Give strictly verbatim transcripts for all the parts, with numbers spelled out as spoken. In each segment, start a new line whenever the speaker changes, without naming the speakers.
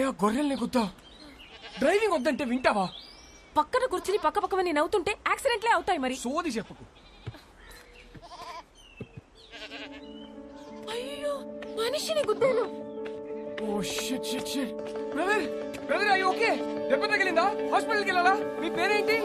ఆ గొర్రెల్ని గుద్దా డ్రైవింగ్ వద్దంటే వింటావా?
పక్కన కూర్చుని పక్క పక్కమని నవ్వుతుంటే యాక్సిడెంట్లే అవుతాయి మరి.
సోది చెప్పుకు.
అయ్యో మనిషిని గుద్దాను.
Oh shit shit shit. Brother brother అయ్యో ఓకే. దెబ్బ తగిలిందా? హాస్పిటల్కి వెళ్ళాలా? మీ పేరేంటి?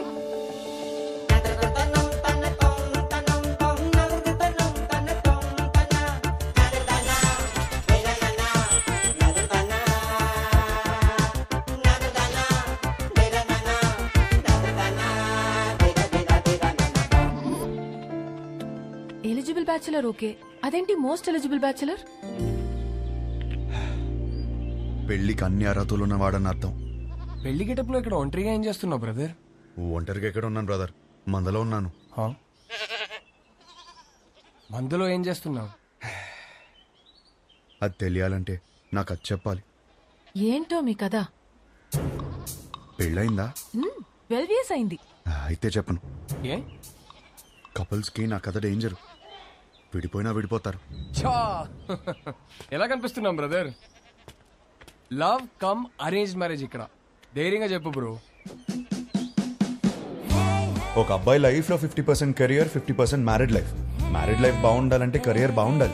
ఎలిజిబుల్ బ్యాచులర్ ఓకే, అదేంటి మోస్ట్ ఎలిజిబుల్ బ్యాచులర్?
పెళ్లికి అన్ని అర్హతలు ఉన్నవాడని అర్థం.
పెళ్లి గెటప్లో ఇక్కడ ఒంటరిగా ఏం చేస్తున్నావు బ్రదర్?
ఒంటరిగా ఎక్కడ ఉన్నాను బ్రదర్, మందలో ఉన్నాను.
మందులో ఏం చేస్తున్నావు?
అది తెలియాలంటే నాకు అది చెప్పాలి.
ఏంటో మీ కదా?
పెళ్ళయిందా?
ట్వెల్వ్ ఇయర్స్ అయింది.
అయితే చెప్పను.
ఏ
కపుల్స్ కి నా కథ డేంజర్. విడిపోయినా విడిపోతారు.
చా ఎలా కనిపిస్తున్నాం brother? Love come arrange marriage ఇక్కడ. ధైర్యంగా చెప్పు బ్రో.
ఒక అబ్బాయి లైఫ్ లో fifty percent career, fifty percent married life. Married life బాగుండాలంటే కెరియర్ బాగుండాలి.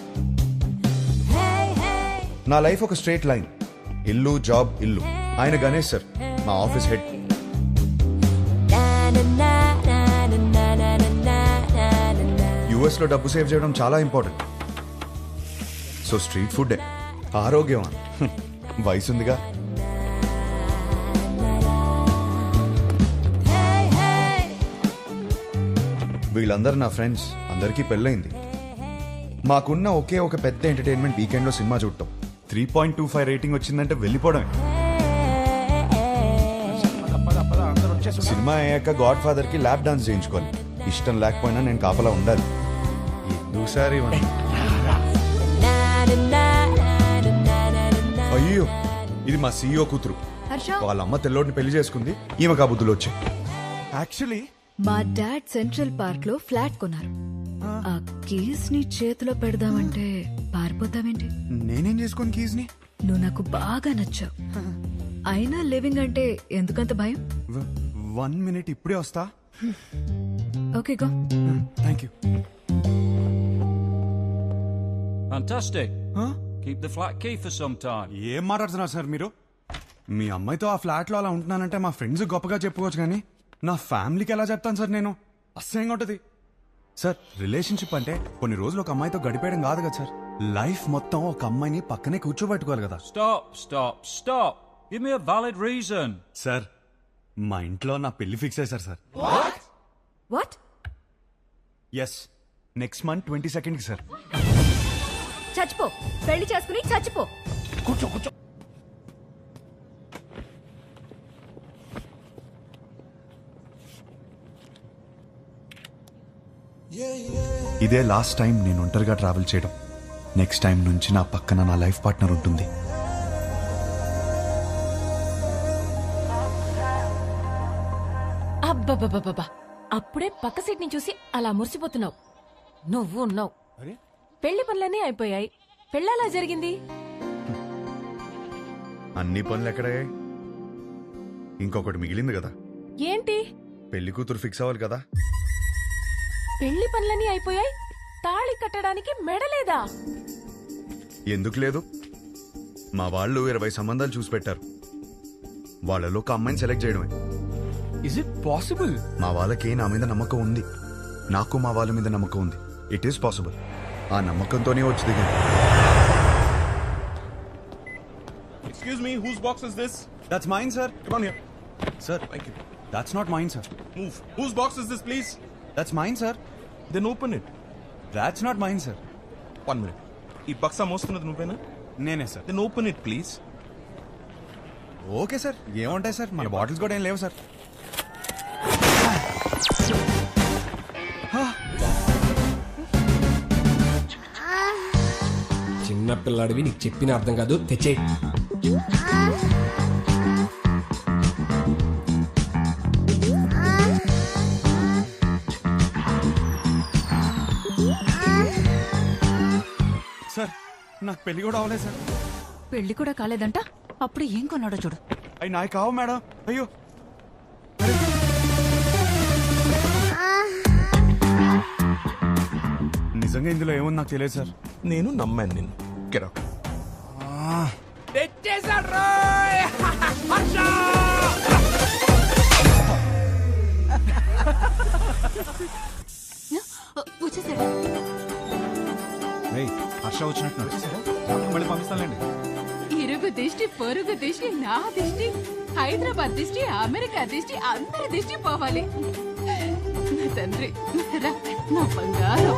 నా లైఫ్ ఒక స్ట్రేట్ లైన్. ఇల్లు జాబ్ ఇల్లు. ఆయన గణేష్ సార్ మా ఆఫీస్ హెడ్. యుఎస్ లో డబ్బు సేవ్ చేయడం చాలా ఇంపార్టెంట్. సో స్ట్రీట్ ఫుడ్ ఆరోగ్యం. వయసుందిగా. వీళ్ళందరూ నా ఫ్రెండ్స్. అందరికీ పెళ్ళైంది. మాకున్న ఒకే ఒక పెద్ద ఎంటర్టైన్మెంట్ వీకెండ్ లో సినిమా చూడటం. Three point two five rating వచ్చిందంటే వెళ్ళిపోవడమే. సినిమా అయ్యాక గాడ్ ఫాదర్ కి ల్యాప్ డాన్స్ చేయించుకోవాలి. ఇష్టం లేకపోయినా నేను కాపలా ఉండాలి. ఎందుసారి అయ్యో ఇది మా సీఈఓ కూతురు. వాళ్ళ అమ్మ తెల్లోడిని పెళ్లి చేసుకుంది. ఈమె కాబుద్దులు వచ్చాయి.
యాక్చువల్లీ
మా డాడ్ సెంట్రల్ పార్క్ లో ఫ్లాట్ కొన్నారు. ఆ కీస్ ని చేతిలో పెడదామంటే పారిపోతావేంటి?
నేనేం చేసుకోను కీస్ ని.
నువ్వు నాకు బాగా నచ్చావు. అయినా లివింగ్ అంటే ఎందుకంత భయం?
వన్ మినిట్ ఇప్పుడే వస్తా.
Okay go.
Thank you.
Fantastic.
Huh?
Keep the flat key for some time.
ఏం మాట్లాడుతున్నారు సార్ మీరు? మీ అమ్మాయితో ఆ ఫ్లాట్ లో అలా ఉంటున్నానంటే మా ఫ్రెండ్స్ గొప్పగా చెప్పుకోవచ్చు, కానీ నా ఫ్యామిలీకి ఎలా చెప్తాను సార్ నేను? అసహ్యంగా ఉంటుంది సార్. రిలేషన్షిప్ అంటే కొన్ని రోజులు ఒక అమ్మాయితో గడిపేయడం కాదు కదా సార్. లైఫ్ మొత్తం ఒక అమ్మాయిని పక్కనే కూర్చోబెట్టుకోవాలి కదా.
Stop, stop, stop. Give me a valid reason.
Sir మా ఇంట్లో నా పెళ్లి ఫిక్స్ అయ్యారు sir.
What?
Yes, next month twenty second కి సార్.
చచ్చిపో, పెళ్లి చేసుకుని చచ్చిపో.
కూర్చో కూర్చో.
ఇదే లాస్ట్ టైం నేను ఒంటరిగా ట్రావెల్ చేయడం. నెక్స్ట్ టైం నుంచి నా పక్కన నా లైఫ్ పార్ట్నర్ ఉంటుంది.
అబ్బబ్బబ్బబ్బా, అప్పుడే పక్క సీట్ ని చూసి అలా మురిసిపోతున్నావు. నువ్వు ఉన్నావు. పెళ్లి పనులన్నీ అయిపోయాయి. పెళ్ళలా జరిగింది.
అన్ని పనులు ఎక్కడే? ఇంకొకటి మిగిలింది కదా.
ఏంటి?
పెళ్లి కూతురు ఫిక్స్ అవ్వాలి కదా.
పెళ్లి పనులన్నీ అయిపోయాయి, తాళి కట్టడానికి మెడలేదా?
ఎందుకు లేదు? మా వాళ్ళు ఇరవై సంబంధాలు చూసి పెట్టారు. వాళ్ళలో ఒక అమ్మాయిని సెలెక్ట్ చేయడమే.
Is it possible?
మా వాళ్ళకి నా మీద నమ్మకం ఉంది. నాకు మా వాళ్ళ మీద నమ్మకం ఉంది. It is possible. ఆ నమ్మకంతోనే వచ్చి దిగాను.
Excuse me, whose box is this?
That's mine sir.
Come on here.
Sir
Thank you.
That's not mine sir.
Move. Whose box is this, please?
That's mine sir.
Then open it.
That's not mine sir.
One minute. ఈ బక్సా మోస్తున్నది నువ్వేనా?
నేనే sir.
Then open it, please.
Okay sir, ఏముంటాయి sir, మన bottles కూడా ఏం లేవు సార్.
చిన్న పిల్లాడివి, నీకు చెప్పిన అర్థం కాదు. తెచ్చే
సార్ నాకు పెళ్లి కూడా అవ్వలేదు సార్.
పెళ్లి కూడా కాలేదంట.
అప్పుడు ఏం కొన్నాడో చూడు.
అవి నాయి కావు మేడం. అయ్యో నిజంగా ఇందులో ఏముంది నాకు తెలియదు సార్.
నేను నమ్మాను నిన్ను. Get out.
వచ్చేసాడు.
ఏయ్, హర్ష వచ్చినట్టు వచ్చేసారా? మళ్ళీ పంపిస్తానులేండి.
ఇరుగు దిష్టి పొరుగు దిష్టి నా దిష్టి హైదరాబాద్ దిష్టి అమెరికా దిష్టి అందరి దిష్టి పోవాలి. నా తండ్రి రా, నా బంగారం.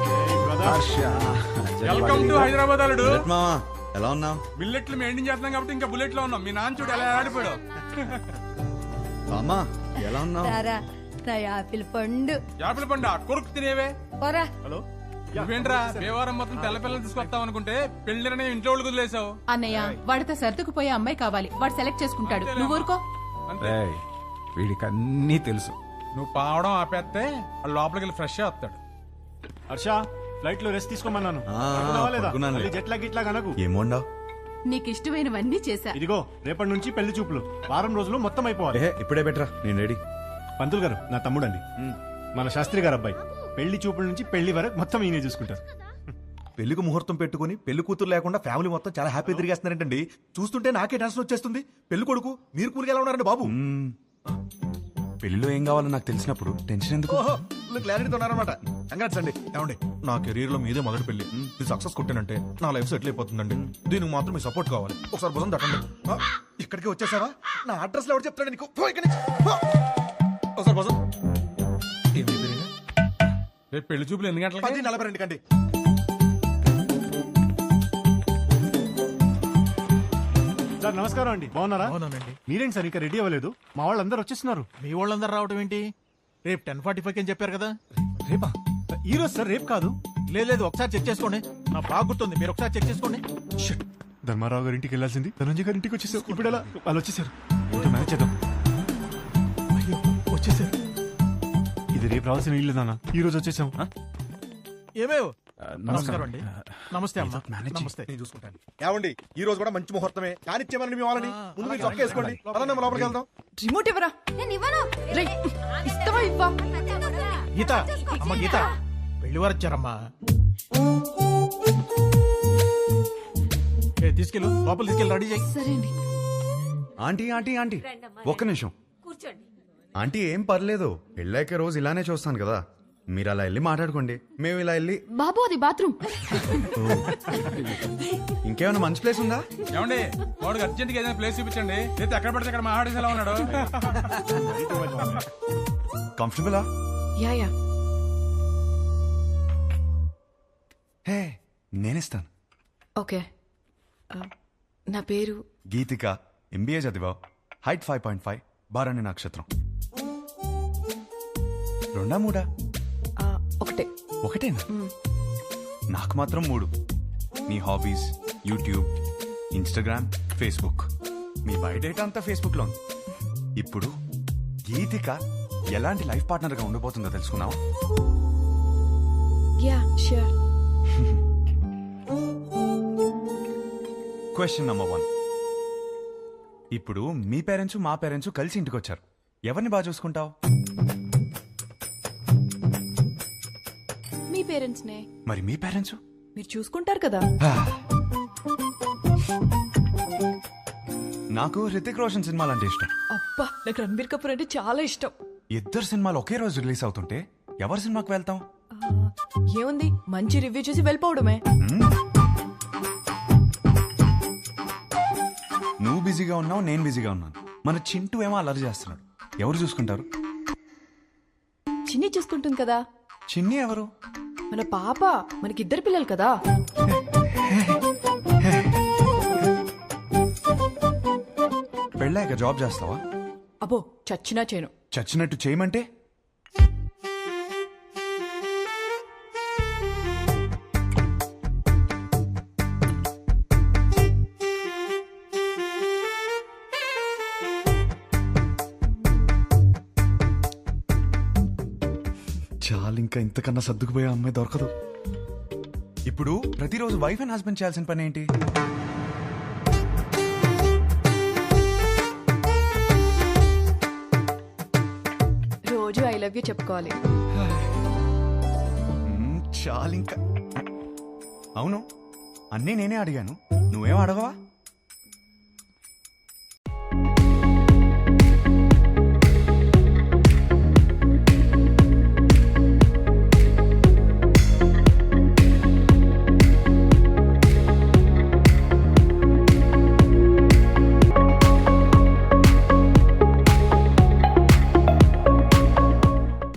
వెల్కమ్ టు హైదరాబాద్ అల్లుడు.
మామా ఎలా ఉన్నావు?
బిల్లెట్లు మెయింటైన్ చేస్తున్నాం కాబట్టి ఇంకా బుల్లెట్ లో ఉన్నాం. మీ నాన్న చూడు ఎలా ఆడిపోయాడు.
మామా ఎలా ఉన్నావు?
నా యాపిల్ పండు.
యాపిల్ పండు కొరుకు తినేవే.
పోరా.
హలో నువ్వేంట్రా దేవారం మొత్తం తెల్ల పిల్లలు తీసుకొస్తావు అనుకుంటే పెళ్లిరనే ఇంట్లో వాళ్ళు వదిలేసావు.
అన్నయ్య వాడితో సర్దుకుపోయే అమ్మాయి కావాలి. వాడు సెలెక్ట్ చేసుకుంటాడు. నువ్వు ఊరుకో.
వీడికి అన్నీ తెలుసు.
నువ్వు పావడం ఆపేస్తే వాడు లోపలికి వెళ్ళి ఫ్రెష్ వస్తాడు.
హర్ష ఫ్లైట్ లో రెస్ట్ తీసుకోమన్నాను.
ఆ, పడుకున్నానులే.
జెట్లా గిట్లా కనకు.
ఏమోండావు?
నీకు ఇష్టమైనవన్నీ చేశా.
ఇదిగో రేపటి నుంచి పెళ్లి చూపులు వారం రోజులు మొత్తం అయిపోవాలి.
ఏ ఇప్పుడే బెటరా, నేను రెడీ.
పంతులు గారు నా తమ్ముడండి, మన శాస్త్రి గారు అబ్బాయి. పెళ్లి చూపుల నుంచి పెళ్లి వరకు మొత్తం ఈయనే చూసుకుంటారు.
పెళ్లికి ముహూర్తం పెట్టుకుని పెళ్లి కూతురు లేకుండా ఫ్యామిలీ మొత్తం చాలా హ్యాపీ తిరిగేస్తున్నారంటండి. చూస్తుంటే నాకే టెన్షన్ వచ్చేస్తుంది. పెళ్లి కొడుకు మీరు కూలికి ఎలా ఉన్నారండి బాబు?
పెళ్లిలో ఏం కావాలో నాకు తెలిసినప్పుడు టెన్షన్ ఎందుకు?
క్లారిటీతో ఉన్నారనమాట. కంగ్రాట్స్ అండి. ఏమండి నా కెరీర్ లో మీదే మొదటి పెళ్లి. ఇది సక్సెస్ కొట్టానంటే నా లైఫ్ సెటిల్ అయిపోతుందండి. దీనికి మాత్రం మీ సపోర్ట్ కావాలి. ఒకసారి భుజం తట్టండి. ఆ, ఇక్కడికి వచ్చేసావా? నా అడ్రస్ లో ఎవరు చెప్తాడు నీకు? పో ఇక్కడి నుంచి. పో. ఒకసారి భుజం. ఏమి పేరు?
రేపు పెళ్లి చూపులు ఎన్ని
పది
గంటలకి?
నలభై రెండు కండి.
సార్ నమస్కారం అండి, బాగున్నారా?
అవునండి.
మీరేంటి సార్ ఇంకా రెడీ అవ్వలేదు? మా వాళ్ళందరూ వచ్చేస్తున్నారు.
మీ వాళ్ళందరూ రావడం ఏంటి? రేపు టెన్ ఫార్టీ ఫైవ్ అని చెప్పారు కదా.
రేపా? ఈ రోజు సార్, రేపు కాదు.
లేదు లేదు ఒకసారి చెక్ చేసుకోండి. నా బాగా గుర్తుంది, మీరు ఒకసారి చెక్ చేసుకోండి.
షిట్. ధర్మారావు గారి ఇంటికి వెళ్ళాల్సింది ధనంజయ్ గారి ఇంటికి వచ్చేసారు. ఇప్పుడు ఎలా? వాళ్ళు వచ్చేసారు. ఇంకా మేనేజ్ చేద్దాం.
అయ్యో వచ్చేసారు.
ఇది రేపు రావాల్సిన ఇల్లు నాన్న, ఈ రోజు వచ్చేసాం.
ఏమేవ్ నమస్కారం అండి. నమస్తే అమ్మా. నమస్తే. నేను చూసుకుంటాను. ఏమండి ఈ రోజు కూడా మంచి ముహూర్తమే. కానిచ్చేమని మీ వాళ్ళని ముందు మీరు చొక్క వేసుకోండి. పదండి అమ్మ, లోపలికి వెళ్దాం.
రిమోట్ ఇవ్వరా. నేను ఇవ్వను.
ఇస్తావా ఇవ్వా?
గీత అమ్మ, గీత పెళ్లి వారు వచ్చారమ్మా. ఏ, తీసుకెళ్ళు లోపల తీసుకెళ్ళి రెడీ చేయి.
సరే అండి.
ఆంటీ ఆంటీ ఆంటీ ఒక్క నిమిషం. ఆంటీ ఏం పర్లేదు, పెళ్ళాక రోజు ఇలానే చూస్తాను కదా. మీరు అలా వెళ్ళి మాట్లాడుకోండి, మేము ఇలా వెళ్ళి.
బాబు అది బాత్రూమ్.
ఇంకేమైనా మంచి ప్లేస్ ఉందా?
ఏమండి వాడికి అర్జెంట్ గా ఏదైనా ప్లేస్ చూపించండి. లేదా ఎక్కడ పడితే అక్కడ మా ఆడేసి ఎలా ఉన్నాడు.
కంఫర్టబులా?
Yeah yeah.
హే నేనిస్తాను.
ఓకే. ఆ, నా పేరు
గీతిక, ఎంబీఏ చదివావు, హైట్ ఫైవ్ పాయింట్ ఫైవ్, బారాణి నక్షత్రం. రెండా మూడా?
ఆ, ఒకటే.
ఒకటేనా? నాకు మాత్రం మూడు. మీ హాబీస్, యూట్యూబ్, ఇన్స్టాగ్రామ్, ఫేస్బుక్. మీ బయోడేటా అంతా ఫేస్బుక్ లో ఉంది. ఇప్పుడు గీతిక ఎలాంటి లైఫ్ పార్ట్నర్ గా ఉండబోతుందో తెలుసుకున్నావా?
Yeah sure.
Question number one. ఇప్పుడు మీ పేరెంట్స్ మా పేరెంట్స్ కలిసి ఇంటికి వచ్చారు. ఎవరిని బాగా చూసుకుంటావు?
మీ పేరెంట్స్ నే.
మరి మీ పేరెంట్స్?
మీరు చూసుకుంటారు కదా.
నాకు హృతిక్ రోషన్ సినిమాలు అంటే ఇష్టం.
అబ్బా, నాకు రణబీర్ కపూర్ అంటే చాలా ఇష్టం.
ఇద్దరు సినిమాలు ఒకే రోజు రిలీజ్ అవుతుంటే ఎవరి సినిమాకి వెళ్తాం?
ఆ, ఏముంది, మంచి రివ్యూ చూసి వెళ్ళిపోవడమే.
నువ్వు బిజీగా ఉన్నావు, నేను బిజీగా ఉన్నాను. మన చింటూ ఏమో అల్లరి చేస్తున్నాడు. ఎవరు చూసుకుంటారు?
చిన్ని చూసుకుంటుంది కదా.
చిన్ని ఎవరు?
మన పాప. మనకిద్దరు పిల్లలు కదా.
పెళ్ళాక జాబ్ చేస్తావా?
అబ్బో, చచ్చినా చేయను.
చచ్చినట్టు చేయమంటే? చాలు, ఇంకా ఇంతకన్నా సర్దుకుపోయే అమ్మాయి దొరకదు. ఇప్పుడు ప్రతిరోజు వైఫ్ అండ్ హస్బెండ్ చేయాల్సిన పని ఏంటి?
లవ్ యూ చెప్పుకోవాలి.
మ్మ్, చాలింకా. అవును అన్నీ నేనే అడిగాను, నువ్వేం అడగవా?